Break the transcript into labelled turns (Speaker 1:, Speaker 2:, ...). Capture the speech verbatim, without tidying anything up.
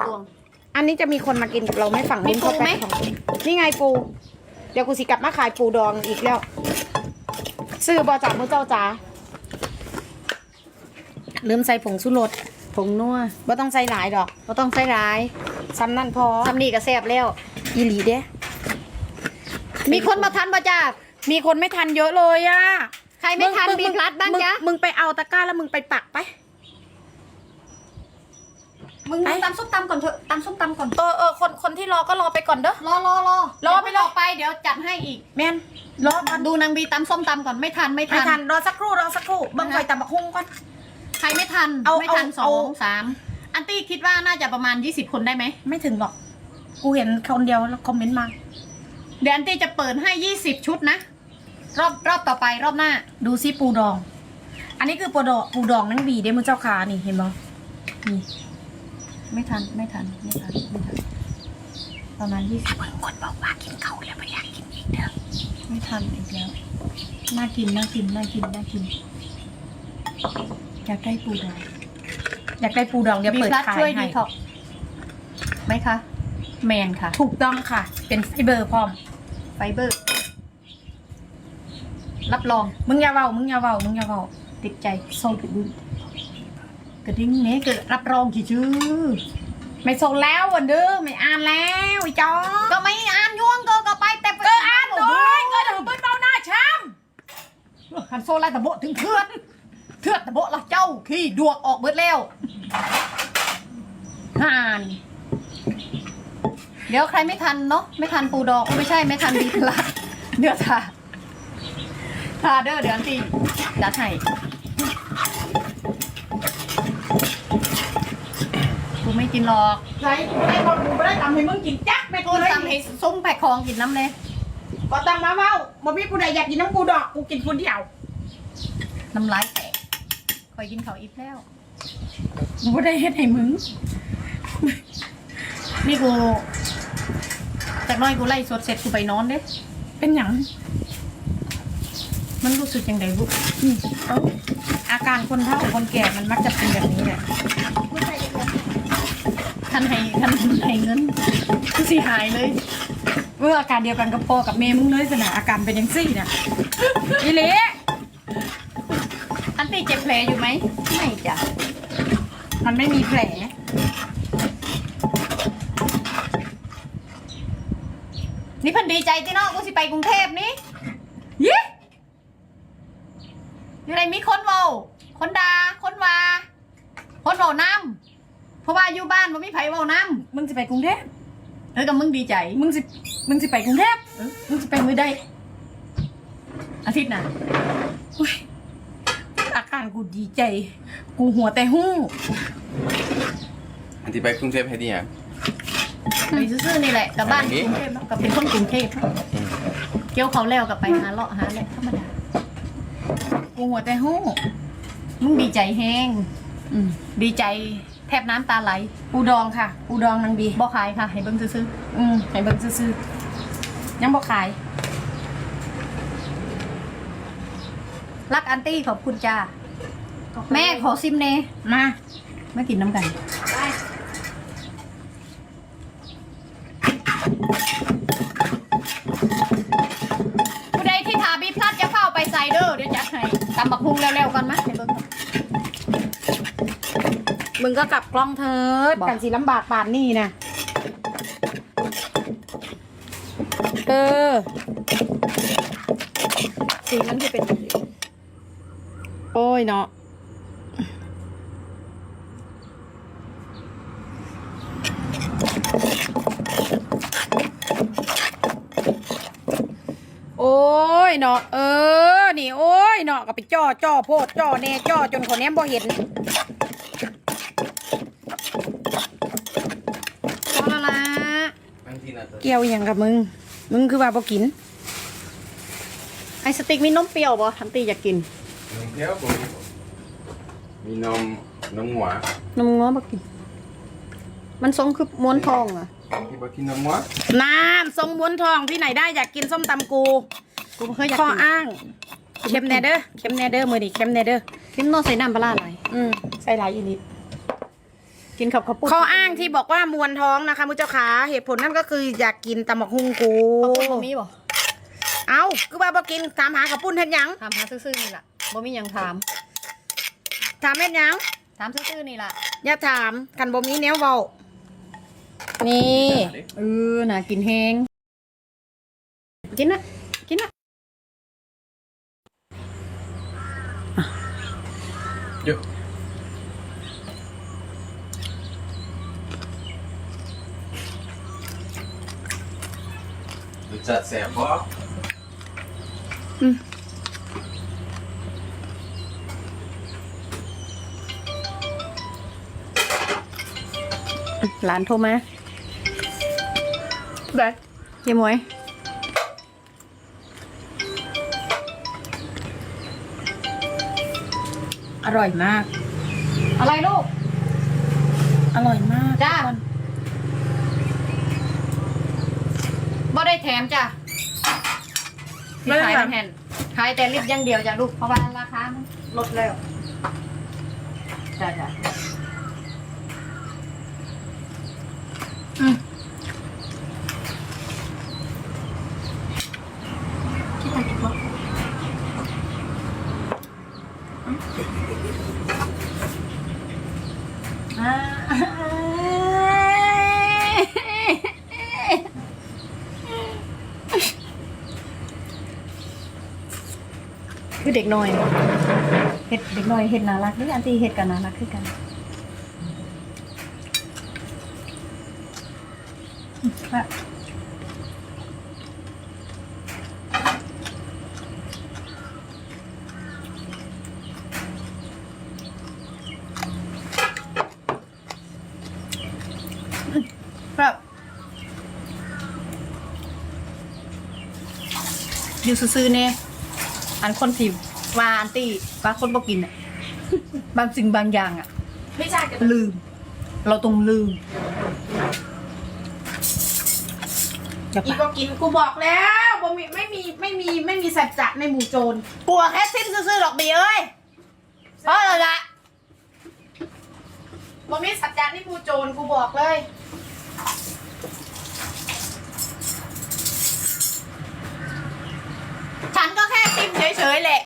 Speaker 1: อันนี้จะมีคนมากินกับเราไหมฝั่งนู้นเขาแพ็คของนี่ไงปูเดี๋ยวกูสิกลับมาขายปูดองอีกแล้วซื้อบอจากมือเจ้าจ๋าลืมใส่ผงชูรสผงนัวบ่ต้องใส่หลายดอกบ่ต้องใส่หลายซ้ำนั่นพอซ้ำนี่ก็แซ่บแล้วอีหลีเด้มีคนมาทันบ่จ้ามีคนไม่ทันเยอะเลยอะใครไม่ทันบีพลัดบ้างจ๊ะมึงไปเอาตะกร้าแล้วมึงไปปักไป
Speaker 2: มึงตำส้มตำก่อนเถอะตำส้มตำก่อน
Speaker 1: เออเออคนคนที่รอก็รอไปก่อนเด้อ
Speaker 2: รอรอรอ
Speaker 1: รอไปรอ
Speaker 2: ไปเดี๋ยวจัดให้อีก
Speaker 1: แม่นรอ
Speaker 2: ดูนางบีตำส้มตำก่อนไม่ทันไม่ทัน
Speaker 1: ไม่ทันรอสักครู่รอสักครู่บังไฟตำบักหุ่งก่อน
Speaker 2: ใครไม่ทันไม่ทันสองสามอันตี้คิดว่าน่าจะประมาณยี่สิบคนได้ไหม
Speaker 1: ไม่ถึงหรอกกูเห็นคนเดียวแล้วคอมเมนต์มา
Speaker 2: เดี๋ยวอันตี้จะเปิดให้ยี่สิบชุดนะรอบรอบต่อไปรอบหน้า
Speaker 1: ดูซิปูดองอันนี้คือปูดองปูดองนั่งบีได้มือเจ้าขานี่เห็นไหมนี่
Speaker 2: ไม่ทันไม่ทันไม่ทันไม่ทันประมาณยี่สิบ
Speaker 1: คนบอกว่ากินเขาแล้วไม่อยากกินอีกเด้อ
Speaker 2: ไม่ทันอีกแล้วน่ากินน่ากินน่ากินน่ากินอยากได้ปูดอง
Speaker 1: อยากได้ปูดองเดี๋ยวเปิดขายให้
Speaker 2: ไหมคะแมนค่ะ
Speaker 1: ถูกต้องค่ะเป็นไฟเบอร์พร้อม
Speaker 2: ไฟเบอร์รับรอง
Speaker 1: มึงอย่าเว้ามึงอย่าเว้ามึงอย่าเว้า
Speaker 2: ติดใจโซกระดิ่งกระดิ่งเนี้ยเกิดรับรองกี่ชื่อ
Speaker 1: ไม่ส่งแล้ววันเด้อไม่อ่านแล้วไอ้จอ
Speaker 2: ก็ไม่อ่านย่วงก็ก็ไปแต่
Speaker 1: ก็อ่านด้วยก็ถือเป็นเบาหน้าช้
Speaker 2: ำหันโซไลตะโบถึงเทือนเทือนตะโบละเจ้าขี้ดวกออกเบิดแล้วห่านเดี๋ยวใครไม่ทันเนาะไม่ทันปูดองไม่ใช่ไม่ทันดีพลัดเดี๋ยวท่าท่าเด้อเดี๋ยวอันตีจัดให้กูไม่กินหรอก
Speaker 1: ไรไอ้คนกูไม่ได้ทำให้มึงกินจักไม่กูเลย
Speaker 2: ทำให้ซุ้มแผกคองกินน้ำเลย
Speaker 1: ก็ตั้งมาเมาบ่มีกูใดอยากกินน้ำกูดอกกูกินคนเดียว
Speaker 2: น้ำลายแตกคอยกินเขาอีกแล้ว
Speaker 1: กูไม่ได้เฮ็ดให้มึง
Speaker 2: นี่กูจากน้อยกูไล่สดเสร็จกูไปนอนเด้
Speaker 1: เป็นหยัง
Speaker 2: มันรู้สึกยังไงลูก
Speaker 1: อาการคนเฒ่าคนแก่มันมักจะเป็นแบบนี้แหละ
Speaker 2: ท่านให้ท่านให้เงินกูสิหายเลย
Speaker 1: เมื่ออาการเดียวกันกับพ่อกับแม่มึงเลยสนะอาการเป็นยังซี่เนี่ยอีเละ
Speaker 2: อันตีเจ็บแผลอยู่ไหมไม่จ้ะ
Speaker 1: มันไม่มีแผล
Speaker 2: นี่พันดีใจที่น้องกูสิไปกรุงเทพนี่
Speaker 1: ยี่
Speaker 2: อยู่ไหนมีคนเมาคนด่าคนว่าคนเมาน้ำเพราะว่าอยู่บ้านมันไม่ไผเมาน้
Speaker 1: ำมึงจะไปกรุงเทพ
Speaker 2: เออกับมึงดีใจ
Speaker 1: มึงสิมึงสิไปกรุงเทพ
Speaker 2: เออมึงจะไปมือได้อาทิตย์น่ะ
Speaker 1: อาการกูดีใจกูหัวแต่หู้
Speaker 3: อันที่ไปกรุงเทพให้ดีอ่ะ
Speaker 2: ไปซื่อๆนี่แหละกับบ้านกรุงเทพกับเป็นคนกรุงเทพเกี่ยวเขาแล้วกับไปหาเลาะหาแหละธรรมดา
Speaker 1: กูหัวแต่หู้
Speaker 2: มึงดีใจแห้งดีใจแทบน้ำตาไหล
Speaker 1: ปูดองค่ะปูดองนางบี
Speaker 2: บ่ขายค่ะให้เบิ้งซื้อ
Speaker 1: ๆอืมให้เบิ้งซื้อๆยังบ่ขาย
Speaker 2: รักอันตี้ขอบคุณจ้าแม่ขอซิมเน่
Speaker 1: มา
Speaker 2: มากินน้ำกันผู้ใดที่ทาบีพลัดจะเข้าไปไซเดอร์เดี๋ยวจัดให้ตำบักฮุงเร็วๆก่อนมั้ยให้เบิ้ง
Speaker 1: มึงก็กลับกล้องเถิดกันสิลำบากป่านนี่นะเออสีมันจะเป็นโอ้ยเนาะโอ้ยเนาะเออนี่โอ้ยเนาะก็ไปจ่อจ่อโพดจ่อแน่จ่อจนคนแนมบ่เห็นเกี่ยวอย่างกับมึงมึงคือว่าบ่กิน
Speaker 2: ไอสติ๊กมีนมเปรี้ยวบ่ทันตีอยากกิน
Speaker 3: นมเปรี้ยวบ่มีนมนมหัวน
Speaker 1: มง้อบ่กินมันทรงคือม้วนทองอ่ะ
Speaker 3: ที่บ่กินนมหัว
Speaker 1: น้ำทรงม้วนทองที่ไหนได้อยากกินส้มตำกู
Speaker 2: กูเคยอยาก
Speaker 1: กินข้ออ้างเค็มแนเด้อเค็มแนเด้อมือดิเค็มแนเด้อ
Speaker 2: เค็มนอใส่น้ำปลาไหล
Speaker 1: อืมใส่หลายอีนิด
Speaker 2: กินกับข้าวปุ้น
Speaker 1: ข้ออ้างที่บอกว่ามวนท้องนะคะมุเจ้าขาเหตุผลนั่นก็คืออยากกินตำบักฮุงกู
Speaker 2: ข้าวปุ้นบ่มีบ่
Speaker 1: เอาคือว่าบ่กินถามหาข้าวปุ้นเฮ็ดหยัง
Speaker 2: ถามหาซื่อๆนี่ล่ะบ่มีหยังถาม
Speaker 1: ถามเฮ็ดหยัง
Speaker 2: ถามซื่อๆนี่ล่ะ
Speaker 1: อย่าถามกันบ่มีแนวเว้านี่
Speaker 2: เออน่ากินแฮงกินนะกินนะ
Speaker 3: เยอะรู้จักแสบบ่
Speaker 2: หลานโทรมาได้เยี่ยมวยอร่อยมาก อะไรลูก
Speaker 1: อร่อยมาก
Speaker 2: จ้าบ่ได้แถมจ้ะที่ขายเป็นแผ่นขายแต่ลิปอย่างเดียวจ้ะลูก เพราะว่าราคามันลดแล้วจ้าจ้ะอืมคิดทางอีกบ่อ่าคือเด็กน้อยเห็ดเด็กน้อยเห็ดน่ารักนี่อันที่เห็ดกันน่ารักคือกันแบบแบบอยู่ซื่อๆเนี่ยอันคนที่ว่าอันตี้ว่าคนบ่กินอ่ะ บางสิ่งบางอย่างอ่ะ
Speaker 1: ไม่ใช่จะ
Speaker 2: ลืม เราต้องลืม
Speaker 1: อีกก็กินกูบอกแล้วบ่มีไม่มีไม่มีไม่มีสัจจะในหมู่โจรกลัวแค่สิ้นซื่อๆหรอกบีเอ้ยเพราะอะไรละบ่มีสัจจะในหมู่โจรกูบอกเลยฉันก็แค่ติมเฉยๆแหละ